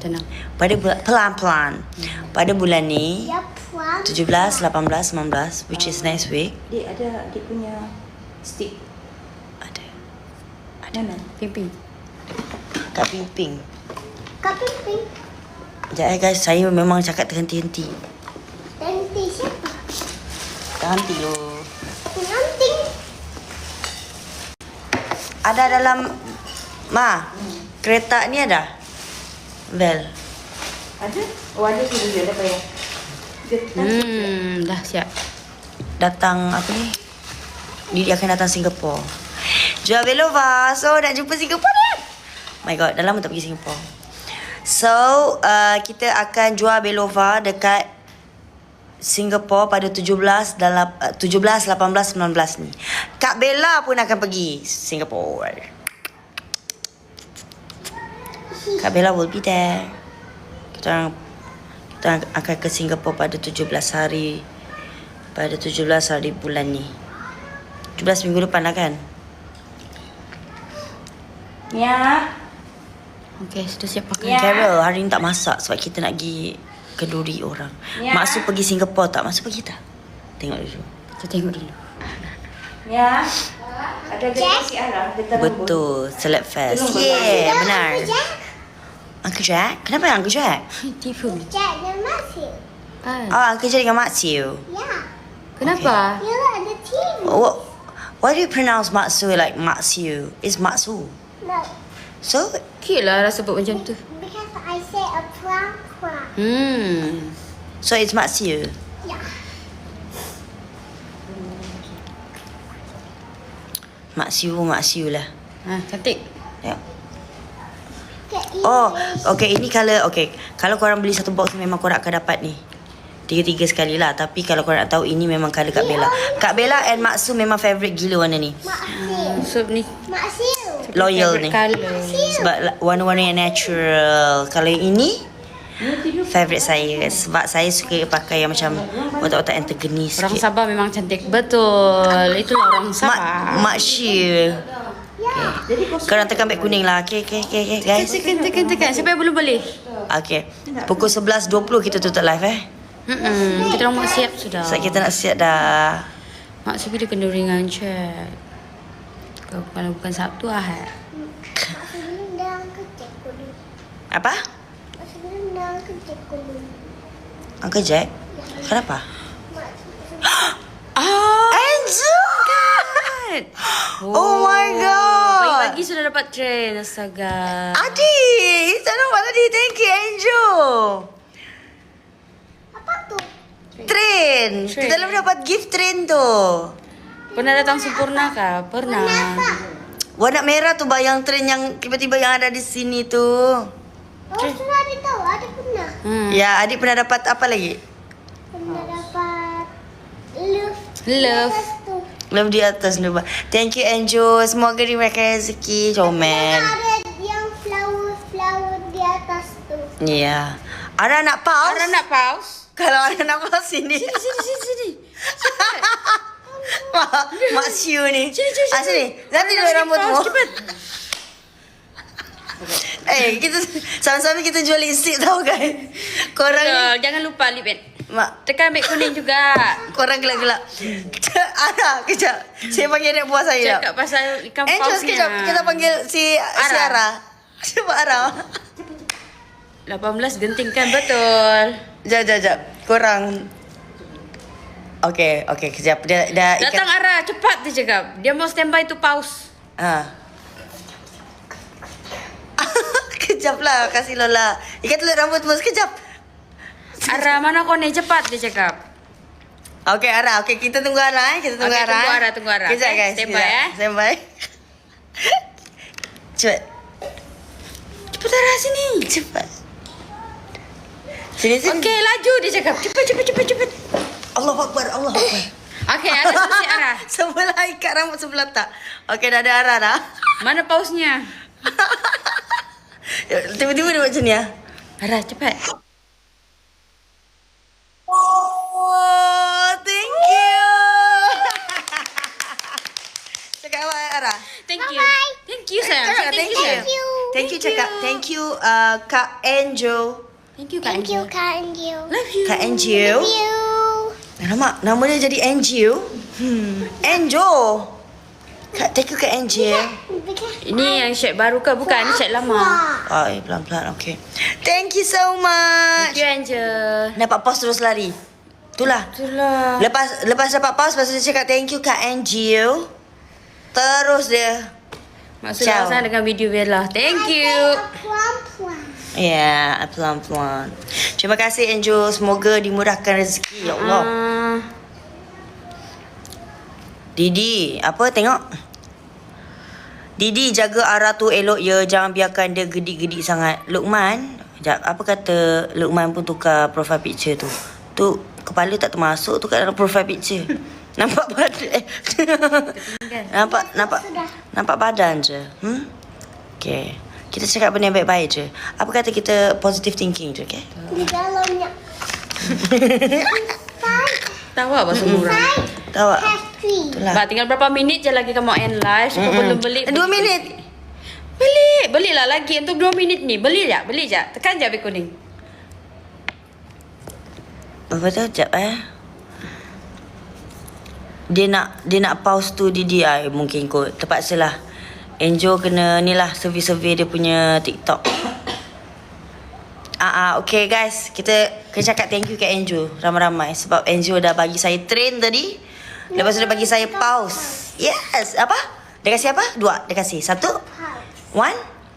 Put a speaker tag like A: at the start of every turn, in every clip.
A: tenang.
B: Pelan-pelan. Pada bulan ni,
C: Ya, puan.
B: 17, 18, 19, which is next week.
A: Dik ada adik punya stick.
B: Ada.
A: Mana? Pimpin.
B: Kat Pimping.
C: Kak Pimpin.
B: Sekejap guys, saya memang cakap terhenti-henti.
C: Nanti siapa?
B: Terhenti loh.
C: Nanti.
B: Ada dalam... Ma, kereta ni ada? Bel.
A: Ada? Oh ada sudah dia dah payah. Dah siap.
B: Datang apa ni? Dia akan datang Singapura. Jual Belova. So nak jumpa Singapura dah. My god, dah lama tak pergi Singapura. So kita akan jual Belova dekat Singapura pada 17, 18, 19 ni. Kak Bella pun akan pergi Singapura. Kak Bella will be there. Kita akan ke Singapura pada 17 hari. Pada 17 hari bulan ni. 17 minggu depan lah kan?
A: Ya. Okey, sudah siap pakai.
B: Ya. Carol, hari ni tak masak sebab kita nak pergi kenduri orang.
A: Ya.
B: Maksud pergi Singapura tak? Maksud pergi tak? Tengok dulu.
A: Kita tengok dulu. Ya. Ada gaji si Arah, dia terlembut.
B: Betul, Celeb Fest.
A: Tolong
B: Yeah,
C: Uncle
B: benar.
C: Jack.
B: Uncle Jack? Kenapa Uncle Jack?
A: Tipu.
C: Jack dan Matthew.
B: Oh, Uncle Jack dengan Mak Siu.
C: Ya.
A: Kenapa?
C: You ada TV.
B: Why do you pronounce Mak Siu like Mak Siu? It's Mak Su.
C: No.
B: So,
A: Cute lah rasa sebut macam tu.
C: Because I say a pram.
B: so it's Mak Siu.
C: Ya.
B: Mak Siu lah.
A: Cantik.
B: Tengok. Oh, okay, ini colour. Okay, kalau korang beli satu box memang korang akan dapat ni. 3 sekali lah. Tapi kalau korang nak tahu, ini memang colour Kak Bella. Kak Bella and Mak Su memang favourite gila warna ni.
A: So ni
C: Maksiu.
B: Loyal ni.
A: color.
B: Sebab warna-warna yang natural. Kalau yang ini, favourite saya. Sebab saya suka pakai yang macam otak-otak yang tergeni
A: Orang
B: sikit.
A: Sabah memang cantik. Betul. Itulah orang Sabah.
B: Mak Syir. Korang tekan beg kuning lah. Okay, guys.
A: Tekan. Siapa yang belum boleh?
B: Okay. Pukul 11.20 kita tutup live
A: Kita orang mak siap sudah.
B: Sebab kita nak siap dah.
A: Mak siap dia kena ringan cek. Kalau bukan Sabtu Ahad.
C: Sebelum dah kerja kudu.
B: Apa?
C: Sebelum dah kerja kudu.
B: Uncle Jack? Kenapa?
A: Angel!
B: Oh my god.
A: Pagi-pagi sudah dapat trend. Astaga.
B: Adik, tak nampak tadi. Thank you, Angel.
C: Apa tu?
B: Train. Kita dah dapat gift train tu.
A: Pernah datang Sempurna kah? Pernah.
B: Warna merah tu bayang train yang tiba-tiba yang ada di sini tu.
C: Oh, sudah ada tahu. Ada pernah.
B: Ya, adik pernah dapat apa lagi?
C: Pernah dapat love.
A: Love.
C: Lepas tu.
B: Love di atas ni. Thank you, Angel. Semoga dimakan rezeki. Comel.
C: Ada yang flower di atas tu.
B: Ya. Ara nak pause?
A: Ara nak pause?
B: Kalau Ara nak pause sini.
A: Sini.
B: Mak Siu ni.
A: Sini.
B: Sini. Nanti dulu rambutmu.
A: Cepat.
B: Kita sama-sama kita jual lipstick tau kan. Korang ni,
A: Jangan lupa lip band.
B: Mak,
A: Tekan beg kuning juga.
B: korang gelak-gelak. Ara, kejap. Saya panggil anak buah saya.
A: Cakap pasal ikan
B: Angel
A: pausnya.
B: sekejap. Kita panggil si Ara. Cuba Ara.
A: 18 gentingkan betul.
B: Jap. Korang. Okay, kejap. Dia dah
A: Datang Ara, cepat dia cakap. Dia mau standby tu pause.
B: Kejap lah, kasih Lola. Ikat dulu rambutmu sekejap.
A: Ara, mana kau ni? Cepat dia cakap.
B: Okay, Ara. Okay, kita tunggu Ara. Kita tunggu
A: Okay,
B: Ara.
A: tunggu Ara.
B: Kejap,
A: Okay,
B: guys.
A: standby,
B: kejap. Standby. Cepat.
A: Cepat Ara sini.
B: Cepat. Sini.
A: Okay, laju dia cakap. Cepat.
B: Allahu Akbar.
A: Okay, Ara selesai Ara.
B: Sebelah ikat rambut sebelah tak. Okay, dah ada Ara dah.
A: Mana pausnya?
B: Tiba-tiba dia buat macam ni.
A: Ara, cepat.
B: Oh, thank you. Cakap apa, Ara?
A: Thank you. Thank you sayang.
B: Cakap
A: Thank you
B: thank
A: sayang.
B: you. Thank you cakap. Thank you Kak Angel.
A: Thank you, Kak
C: Thank you,
A: Angel.
C: Kak Angel.
A: Love you.
B: Kak Angel.
C: Love you.
B: Alamak, nama dia jadi Angel. Angel. Kak, thank you Kak Angel.
C: Because
A: Ini yang chat baru ke? Bukan, ini chat lama.
B: Oh, pelan-pelan. Okay. Thank you so much.
A: Thank you, Angel.
B: Dapat pause terus lari. Itulah.
A: Itulah.
B: Lepas dapat pause, lepas tu dia cakap thank you Kak Angel. Terus dia.
A: Maksud
B: Ciao.
A: Laksana dengan video Bella. Thank you.
C: plum.
B: Ya, pelan-pelan. Terima kasih Angel. Semoga dimurahkan rezeki. Ya Allah. Didi, apa tengok? Didi jaga arah tu elok ya. Jangan biarkan dia gedik-gedik sangat. Luqman, sekejap, apa kata Luqman pun tukar profile picture tu? Tu kepala tak termasuk tu kat dalam profile picture. Nampak badan nampak badan je. Okay. Kita cakap benda yang baik-baik je. Apa kata kita positive thinking je, okay?
C: Di dalamnya.
A: Tahu apa semua orang.
B: Tahu tak?
C: Pastry.
B: Itulah.
A: Ba, tinggal berapa minit je lagi kamu end live. Siapa belum beli?
B: 2 minit.
A: Belilah lagi untuk 2 minit ni. Beli je. Tekan je habis kuning.
B: Apa tu? Sekejap Dia nak pause tu Didi mungkin kot. Terpaksalah. Angel kena ni lah survey dia punya TikTok. Okay guys, kita kena cakap thank you kat Angel ramai-ramai sebab Angel dah bagi saya train tadi. Lepas tu dia bagi saya pause. Yes, apa? Dia kasih apa? 2. Dia kasih 1. 1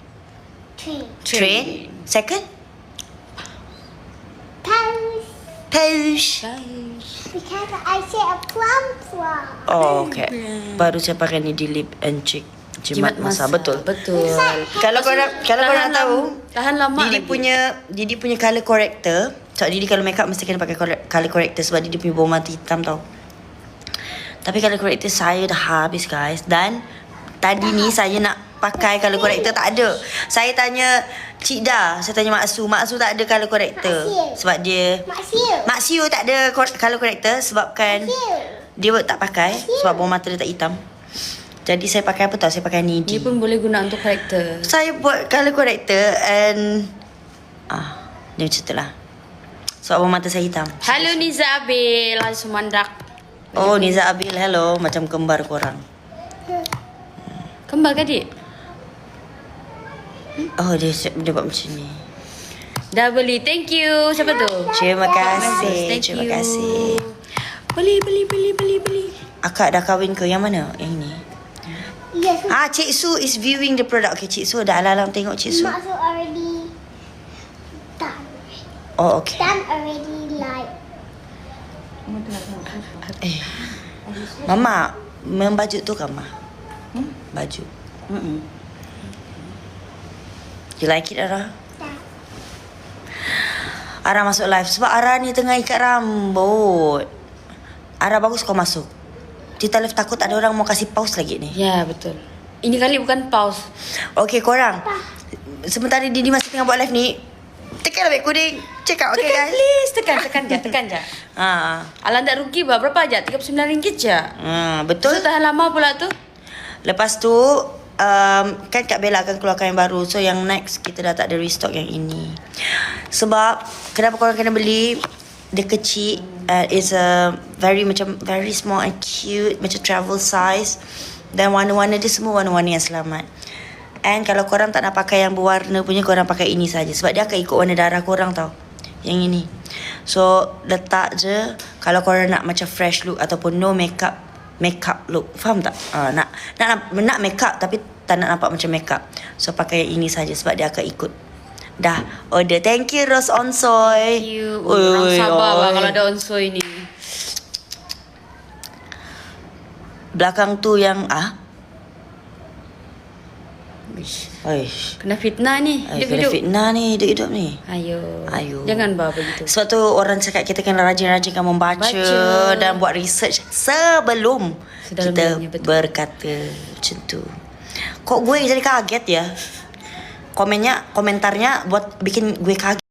B: train. Second pause.
C: Because I say a plum.
B: Oh, okay. Baru saya pakai ni di lip and cheek. Jimat masa. Betul. Kalau korang tahu,
A: tahan lama
B: Didi
A: lagi.
B: Didi punya colour corrector. Sebab Didi kalau make up mesti kena pakai colour corrector sebab Didi punya bawah mata hitam tau. Tapi colour corrector saya dah habis guys. Dan tadi ni saya nak pakai colour corrector tak ada. Saya tanya Cik Da, saya tanya Mak Su. Mak Su tak ada colour corrector.
C: Mak Siu.
B: Sebab dia Mak Siu tak ada colour corrector sebabkan dia tak pakai sebab bawah mata dia tak hitam. Jadi saya pakai apa tau? Saya pakai Nidi.
A: Ni pun boleh guna untuk karakter.
B: Saya buat colour corrector and dia macam tu lah. Sebab bawah mata saya hitam.
A: Halo Niza Abil, Sumandak.
B: Oh, Niza Abil, hello. Macam kembar korang.
A: Kembar ke dik?
B: Oh, dia buat macam ni.
A: Dah beli, thank you. Siapa tu?
B: Terima kasih.
A: Thank
B: Terima
A: you.
B: kasih.
A: Beli.
B: Akak dah kahwin ke? Yang mana? Yang ni?
C: Yes.
B: Cik Su is viewing the product. Okay, Cik Su dah alam tengok Cik Su.
C: Mak Su already done.
B: Oh, okay.
C: Done already like.
B: Mama, membaju tu kan, Ma? Baju. You like it, Ara?
C: Dah.
B: Ara masuk live sebab Ara ni tengah ikat rambut. Ara bagus kau masuk. Kita live takut ada orang mau kasih pause lagi ni.
A: Ya, betul. Ini kali bukan pause.
B: Okay, korang. Sementara Didi masih tengah buat live ni, tekan beg kuning. Check out, okay guys?
A: Please, tekan je. Alah tak rugi bah. Berapa aja? RM39 je.
B: Betul.
A: So, tahan lama pula tu.
B: Lepas tu, kan Kak Bella akan keluarkan yang baru. So, yang next, kita dah tak ada restock yang ini. Sebab, kenapa korang kena beli? Dia kecil. It's a very small and cute. Macam travel size. Dan warna-warna dia semua warna-warna yang selamat. And kalau korang tak nak pakai yang berwarna punya, korang pakai ini saja. Sebab dia akan ikut warna darah korang tau. Yang ini. So, letak je. Kalau korang nak macam fresh look ataupun no makeup look. Faham tak? Nak makeup tapi tak nak nampak macam makeup. So, pakai yang ini saja sebab dia akan ikut. Dah order. Thank you Rose Onsoy.
A: Thank you. Orang sabar bah kalau ada onsoy ni.
B: Belakang tu yang
A: Kena fitnah ni.
B: kena
A: Hidup-hidup.
B: fitnah ni hidup-hidup ni.
A: Ayo. Jangan bah begitu.
B: Sebab tu orang cakap kita kena rajin-rajinkan membaca dan buat research sebelum kita
A: Sedalam-dalamnya, betul.
B: berkata macam tu. Kok gue jadi kaget ya? Komentarnya buat bikin gue kaget.